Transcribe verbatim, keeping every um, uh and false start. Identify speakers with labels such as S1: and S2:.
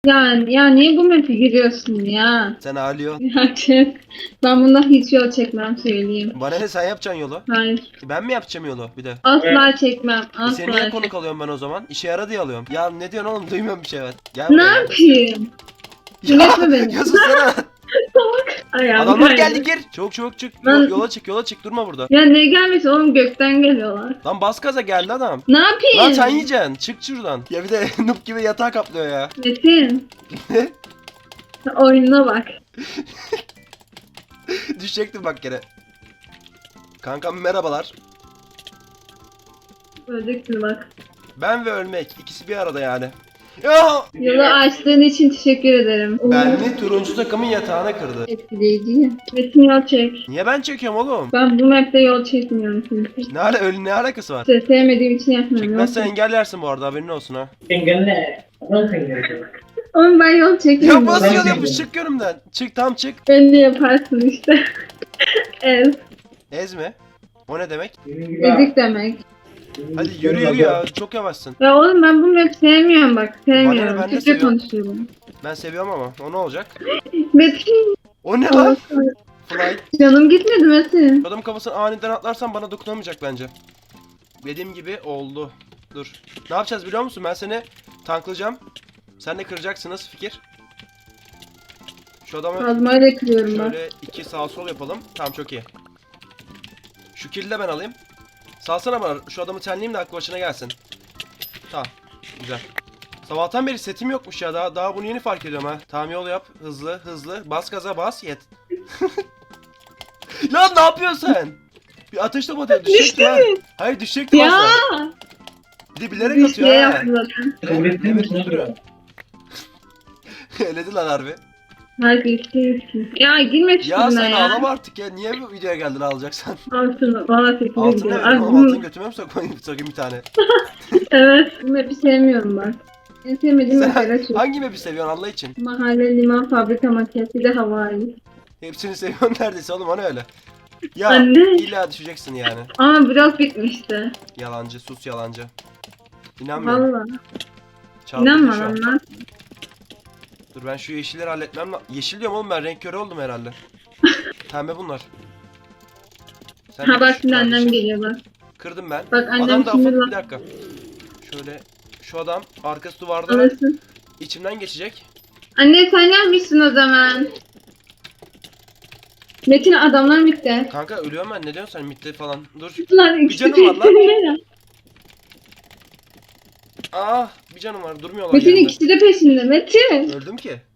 S1: Ya, ya niye bu map'e giriyorsun ya?
S2: Sen ağlıyorsun.
S1: Ya çık. Ben bundan hiç yol çekmem söyleyeyim.
S2: Bana ne, sen yapacaksın yolu?
S1: Hayır.
S2: Ben mi yapacağım yolu bir de?
S1: Asla çekmem.
S2: E seni niye
S1: Asla
S2: konuk
S1: çekmem.
S2: alıyorum ben o zaman? İşe yara diye alıyorum. Ya ne diyorsun oğlum, duymuyorum bir şey ben. Gel
S1: Ne
S2: buraya.
S1: yapayım?
S2: Ya,
S1: Dinletme beni.
S2: ya sussana.
S1: Ayağım
S2: Adamlar
S1: kaydı.
S2: geldi, gir. Çabuk çabuk çık.
S1: Ben-
S2: Yo- yola çık, yola çık, durma burada.
S1: Ya ne gelmesi oğlum, gökten geliyorlar.
S2: Lan bas gaza, geldi adam.
S1: Ne yapayım?
S2: Lan sen yiyeceksin. Çık şuradan. Ya bir de noob gibi yatağa kaplıyor ya.
S1: Metin. Oyununa bak.
S2: Düşecektim bak gene. Kankam merhabalar.
S1: Öleceksin bak.
S2: Ben ve ölmek, ikisi bir arada yani. Ya!
S1: Yolu açtığın için teşekkür ederim.
S2: Benli turuncu takımın yatağına kırdı.
S1: Etkileyici ya. Metin yol çek.
S2: Niye ben çekiyorum oğlum?
S1: Ben bu map'te yol çekmiyorum çünkü.
S2: Ne, ala öyle ne alakası var?
S1: İşte sevmediğim için yapmıyorum.
S2: Çekmezsen
S1: Yol çek-
S2: engellersin bu arada, haberin olsun ha.
S3: Engalle. Nasıl engalle?
S1: Oğlum ben yol çekmiyorum.
S2: Ya basıyor
S3: Ben
S2: yapış, çık önümden. Çık, tam çık.
S1: Ben de yaparsın işte. Ez.
S2: Ez mi? O ne demek?
S3: Benim gibi
S1: Ezik demek.
S2: Hadi yürü yürü ya, çok yavaşsın.
S1: Ya oğlum ben bu map'i sevmiyorum bak.
S2: Bana ne,
S1: Sevmiyorum.
S2: ben de
S1: Türkçe
S2: seviyorum.
S1: konuşuyorum.
S2: Ben seviyorum ama o ne olacak?
S1: Metin.
S2: O ne lan? Flight.
S1: Canım gitmedi Metin.
S2: Adamın kafasını aniden atlarsan bana dokunamayacak bence. Dediğim gibi oldu. Dur. Ne yapacağız biliyor musun? Ben seni tanklayacağım. Sen de kıracaksın, nasıl fikir? Şu adamı
S1: Kazmayla kırıyorum bak.
S2: şöyle iki sağ sol yapalım. Tamam, çok iyi. Şu kill'i de ben alayım. Salsana bana, şu adamı tenleyeyim de aklı başına gelsin. Tamam. Güzel. Sabahtan beri setim yokmuş ya, daha daha bunu yeni fark ediyorum ha. Tamam, yol yap, hızlı hızlı, bas gaza bas, yet. Lan ne yapıyorsun sen? Bir ateş topu atıyor, düşecekti ha. Hayır, düşecekti
S1: Ya.
S2: aslında. Bir de bilerek
S1: Bir
S2: atıyor
S1: şey
S2: ha.
S1: yaptı zaten.
S3: Kabul ettin
S2: Ne
S3: mi?
S2: biçim duruyor? Eledi lan harbi.
S1: Hadi istiyorsun. Ya girme
S2: Ya
S1: üstüne
S2: sen
S1: ya.
S2: ağlama artık ya, niye bu videoya geldin ağlayacaksan?
S1: Altın. Bana sekiz
S2: Altın ne
S1: gidiyor.
S2: vereyim
S1: Ay,
S2: oğlum,
S1: bu-
S2: altın götüme mi sokmayayım, sokayım bir tane.
S1: Evet. Bu map'i sevmiyorum bak. En sevmediğim
S2: Sen
S1: mesela şu.
S2: hangi map'i seviyorsun Allah için?
S1: Mahalle, liman, fabrika, makyaj, bir de havai.
S2: Hepsini seviyorsun neredeyse oğlum, hani öyle. Ya
S1: Anne.
S2: illa düşeceksin yani.
S1: Ama blok bitmişti.
S2: Yalancı, sus yalancı. İnanmıyorum.
S1: Valla.
S2: Çarpıldı
S1: İnanma
S2: şu an.
S1: lan lan.
S2: Dur ben şu yeşilleri halletmem lazım. Yeşil diyorum oğlum, ben renk körü oldum herhalde. Pembe bunlar. Sen de
S1: Ha bak
S2: şu
S1: şimdi annem
S2: kardeşim.
S1: geliyor bak.
S2: Kırdım ben.
S1: Bak annem
S2: Adam da
S1: şimdi
S2: afık,
S1: bak.
S2: bir dakika. Şöyle şu adam arkası duvarda
S1: Alırsın.
S2: içimden geçecek.
S1: Anne sen yapmışsın o zaman. Metin adamlar bitti.
S2: Kanka ölüyorum ben, ne diyorsun sen mitte falan. Dur.
S1: Lan
S2: Bir
S1: ikisi
S2: canım var lan.
S1: peşinde.
S2: Ah, bir canım var, durmuyorlar
S1: Metin
S2: yerinde.
S1: ikisi de peşinde Metin.
S2: Öldüm ki.